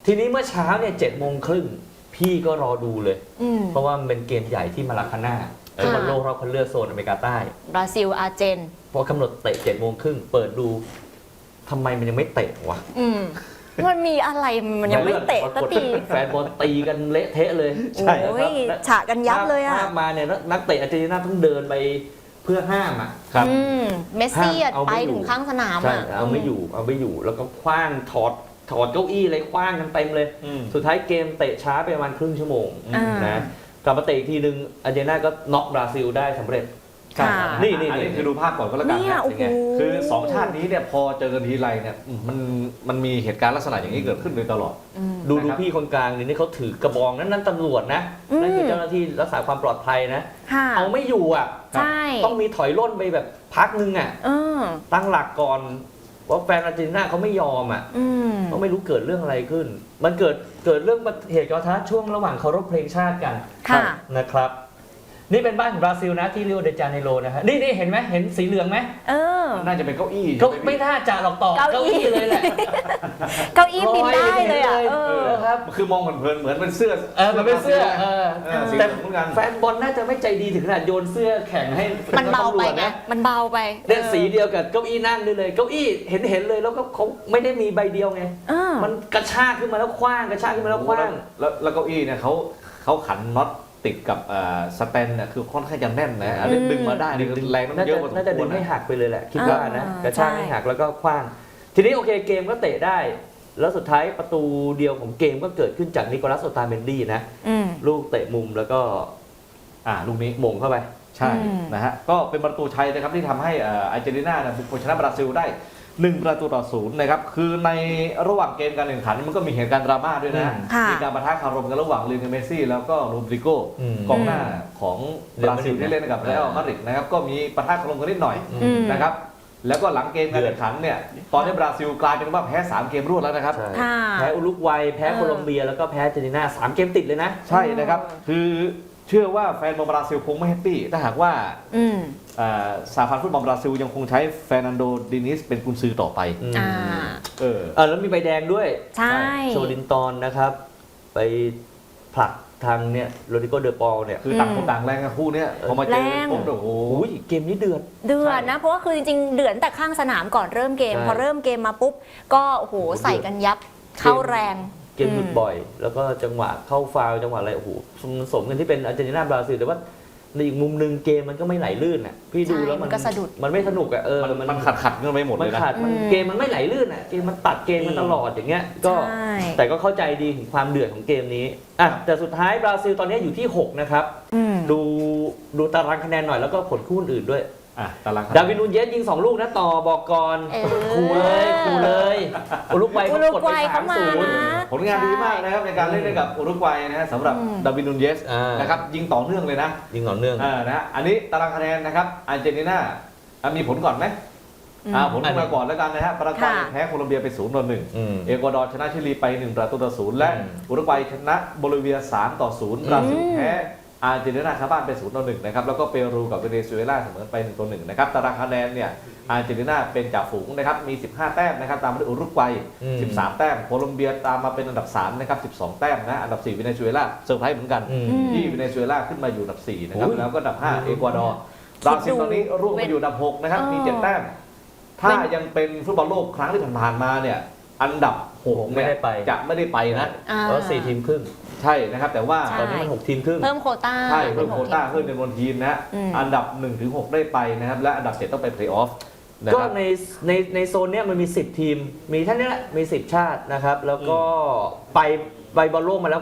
ทีนี้เมื่อเช้าเนี่ย7:30พี่ก็รอดูเลยเพราะว่ามันเป็นเกมใหญ่ที่มาราคาน่าบอลโลกรอบคัดเลือกโซนอเมริกาใต้บราซิลอาร์เจนพอกำหนดเตะ7:30เปิดดูทำไมมันยังไม่เตะวะมันมีอะไรมันยังไม่เตะสักทีแฟนบอลตีกันเละเทะเลยใช่ครับฉะกันยับเลยอ่ะภาพมาเนี่ยนักเตะอาร์เจนตินาต้องเดินไปเพื่อห้ามอ่ะครับเมสซี่ไปถึงข้างสนามอ่ะเอาไม่อยู่แล้วก็คว้างถอดเก้าอี้อะไรคว้างกันเต็มเลยสุดท้ายเกมเตะช้าไปประมาณครึ่งชั่วโมงนะกลับมาเตะอีกทีนึงอาร์เจนตินาก็น็อกบราซิลได้สำเร็จนี่คือดูภาพก่อนก็แล้วกันนะคือ2ชาตินี้เนี่ยพอเจอกันทีไรเนี่ยมันมีเหตุการณ์ลักษณะอย่างนี้เกิดขึ้นโดยตลอดดูพี่คนกลางนี่เขาถือกระบองนั่นตำรวจนะนั่นคือเจ้าหน้าที่รักษาความปลอดภัยนะเอาไม่อยู่อ่ะต้องมีถอยร่นไปแบบพักนึงอ่ะตั้งหลักก่อนว่าแฟนอาร์เจนตินาเขาไม่ยอมอ่ะก็ไม่รู้เกิดเรื่องอะไรขึ้นมันเกิดเรื่องเหตุการณ์ท้าช่วงระหว่างเคารพเพลงชาติกันนะครับนี่เป็นบ้านของบราซิลนะที่ริโอเดจาเนโรนะฮะนี่เห็นไหมเห็นสีเหลืองไหมน่าจะเป็นเก้าอี้ก็ไม่น่าจะหรอกต่อเก้าอี้เลยแหละเก้าอี้บินได้เลยอ่ะครับคือมองเหมือนเป็นเสื้อมันเป็นเสื้อแต่แฟนบอลน่าจะไม่ใจดีถึงขนาดโยนเสื้อแข่งให้มันเบาไปนะมันเบาไปเนี่ยสีเดียวกับเก้าอี้นั่งเลยเก้าอี้เห็นเลยแล้วก็เขาไม่ได้มีใบเดียวไงมันกระชากขึ้นมาแล้วคว้างแล้วเก้าอี้เนี่ยเขาขันน็อตติดกับสแตนเนี่ยคือค่อนข้างจะแน่นนะดึงมาได้แรงมันเยอะพอสมควรน่าจะดึงให้หักไปเลยแหละคิดว่านะกระชากให้หักแล้วก็คว้างทีนี้โอเคเกมก็เตะได้แล้วสุดท้ายประตูเดียวของเกมก็เกิดขึ้นจากนิโคลัส โอตาเมนดี้นะลูกเตะมุมแล้วก็ลูกนี้หม่งเข้าไปใช่นะฮะก็เป็นประตูชัยนะครับที่ทำให้อาร์เจนตินาบุกไปชนะบราซิลได้1-0นะครับคือในระหว่างเกมการแข่งขันมันก็มีเหตุการณ์ดราม่าด้วยนะมีการปะทะคารมกันระหว่างลิโอเนล เมสซี่แล้วก็โรดริโกกองหน้าของบราซิลที่เล่นกับเรอัลมาดริดนะครับก็มีปะทะคารมกันนิดหน่อยนะครับแล้วก็หลังเกมการแข่งขันเนี่ยตอนนี้บราซิลกลายเป็นว่าแพ้3เกมรวดแล้วนะครับแพ้อุรุกวัยแพ้โคลอมเบียแล้วก็แพ้อาร์เจนตินา3เกมติดเลยนะใช่นะครับคือเชื่อว่าแฟนบอลบราซิลคงไม่แฮปปี้ถ้าหากว่าสหพันธ์ฟุตบอลบราซิลยังคงใช้เฟร์นันโด ดินิสเป็นกุนซือต่อไปแล้วมีใบแดงด้วยใช่โชลินตอนนะครับไปผลักทางเนี่ยโรดิโกเดอปอลเนี่ยคือต่างคนต่างแรงกับคู่เนี้ยพอมาเจอผมโอ้โหเกมนี้เดือดนะเพราะว่าคือจริงๆเดือดแต่ข้างสนามก่อนเริ่มเกมพอเริ่มเกมมาปุ๊บก็โอ้โหใส่กันยับเข้าแรงเกมหยุดบ่อยแล้วก็จังหวะเข้าฟาวจังหวะอะไรโอ้โหสมกันที่เป็นอาร์เจนตินาบราซิลแต่ว่าในอีกมุมนึงเกมมันก็ไม่ไหลลื่นอ่ะพี่ดูแล้วมันก็สะดุดมันไม่สนุกอ่ะมันขัดกันไปหมดเลยนะเกมมันไม่ไหลลื่นอ่ะเกมมันตัดเกมมันตลอดอย่างเงี้ยก็แต่ก็เข้าใจดีถึงความเดือดของเกมนี้แต่สุดท้ายบราซิลตอนนี้อยู่ที่6นะครับดูตารางคะแนนหน่อยแล้วก็ผลคู่อื่นด้วยดาวิน นูนเยสยิง2ลูกนะต่อบอกก่อนขู่เลยอุรุกวัยเขากดไป 3-0ผลงานดีมากนะครับในการเล่นกับอุรุกวัยนะสำหรับดาวิน นูนเยสนะครับยิงต่อเนื่องเลยนะยิงต่อเนื่องนะอันนี้ตารางคะแนนนะครับอาร์เจนตินามีผลก่อนไหมผลมาก่อนแล้วกันนะฮะปารากวัยแพ้โคลอมเบียไป0-1เอกวาดอร์ชนะชิลีไป1-0และอุรุกวัยชนะโบลิเวีย3-0บราซิลแพ้อาร์เจนตินาคาบ้านไป0-1นะครับแล้วก็เปรูกับเวเนซุเอลาเสมอไป1-1นะครับตารางคะแนนเนี่ยอาร์เจนตินาเป็นจ่าฝูงนะครับมี15แต้มนะครับตามมาด้วยอุรุกวัย13แต้มโคลอมเบียตามมาเป็นอันดับ3นะครับ12แต้มนะอันดับ4เวเนซุเอลาเซอร์ไพรส์เหมือนกันที่เวเนซุเอลาขึ้นมาอยู่อันดับ4นะครับแล้วก็อันดับ5เอกวาดอร์บราซิลตอนนี้ร่วงมาอยู่อันดับ6นะครับมี7แต้มถ้ายังเป็นฟุตบอลโลกครั้งที่ผ่านมาเนี่ยอันดับ6 ไม่ได้ไปจะไม่ได้ไปนะเพราะ4ทีมครึ่งใช่นะครับแต่ว่าตอนนี้มัน6ทีมครึ่งเพิ่มโควต้าใช่เพิ่มโควต้าขึ้นจำนวนทีมนะอันดับ 1-6 ได้ไปนะครับและอันดับ7ต้องไปเพลย์ออฟก็ในโซนเนี้ยมันมี10ทีมมีท่านนี้แหละมี10ชาตินะครับแล้วก็ไปบอลโลกมาแล้ว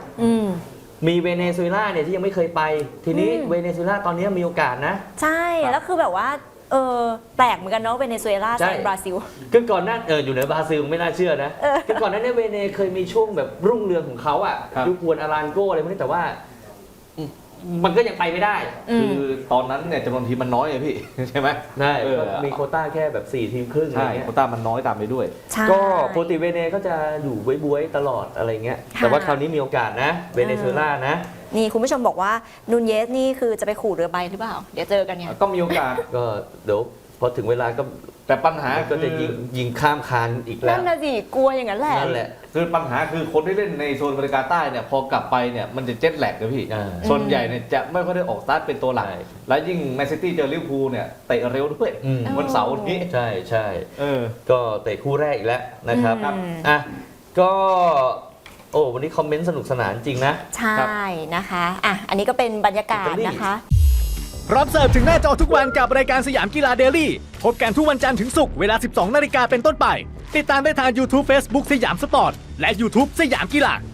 9มีเวเนซุเอลาเนี่ยที่ยังไม่เคยไปทีนี้เวเนซุเอลาตอนนี้มีโอกาสนะใช่แล้วคือแบบว่าแปลกเหมือนกันเนาะเวเนซุเอลาแซงบราซิลก็ก่อนหน้าอยู่ในบราซิลไม่น่าเชื่อนะก็ก่อนหน้านี้เวเนเคยมีช่วงแบบรุ่งเรืองของเขาอ่ะยุควนอารานโกอะไรพวกนี้แต่ว่ามันก็ยังไปไม่ได้คือตอนนั้นเนี่ยจำนวนทีมมันน้อยเลยพี่ใช่ไหมใช่มีโควต้าแค่แบบ4ทีมครึ่งใช่โควต้ามันน้อยตามไปด้วยก็ปกติเวเนก็จะอยู่บวยๆตลอดอะไรเงี้ยแต่ว่าคราวนี้มีโอกาสนะเวเนซุเอลานะนี่คุณผู้ชมบอกว่านูนเยสนี่คือจะไปขู่เรือใบหรือเปล่าเดี๋ยวเจอกันเนี่ยก็มีโอกาสก็เดี๋ยวพอถึงเวลาก็แต่ปัญหาก็จะยิงข้ามคานอีกแล้นั่วนน่ะสิกลัวอย่างนั้นแหละนั่นแหละคือปัญหาคือคนที่เล่นในโซนอเมริกาใต้เนี่ยพอกลับไปเนี่ยมันจะเจ็ตแลกนะพี่ ส่วนใหญ่เนี่ยจะไม่ค่อยได้ออกสตาร์ทเป็นตัวหลักใช่และยิ่งแมนซิตี้เจอลิเวอร์พูลเนี่ยเตะเร็วด้วย วันเสาร์นี้ใช่ใช่เออก็เตะคู่แรกอีกแล้วนะครับ อ่ะก็โอ้วันนี้คอมเมนต์สนุกสนานจริงนะใช่นะคะอ่ะอันนี้ก็เป็นบรรยากาศนะคะพร้อมเสิร์ฟถึงหน้าจอทุกวันกับรายการสยามกีฬาเดลี่พบกันทุกวันจันทร์ถึงศุกร์เวลา 12 นาฬิกาเป็นต้นไป ติดตามได้ทาง YouTube Facebook สยามสปอร์ต และ YouTube สยามกีฬา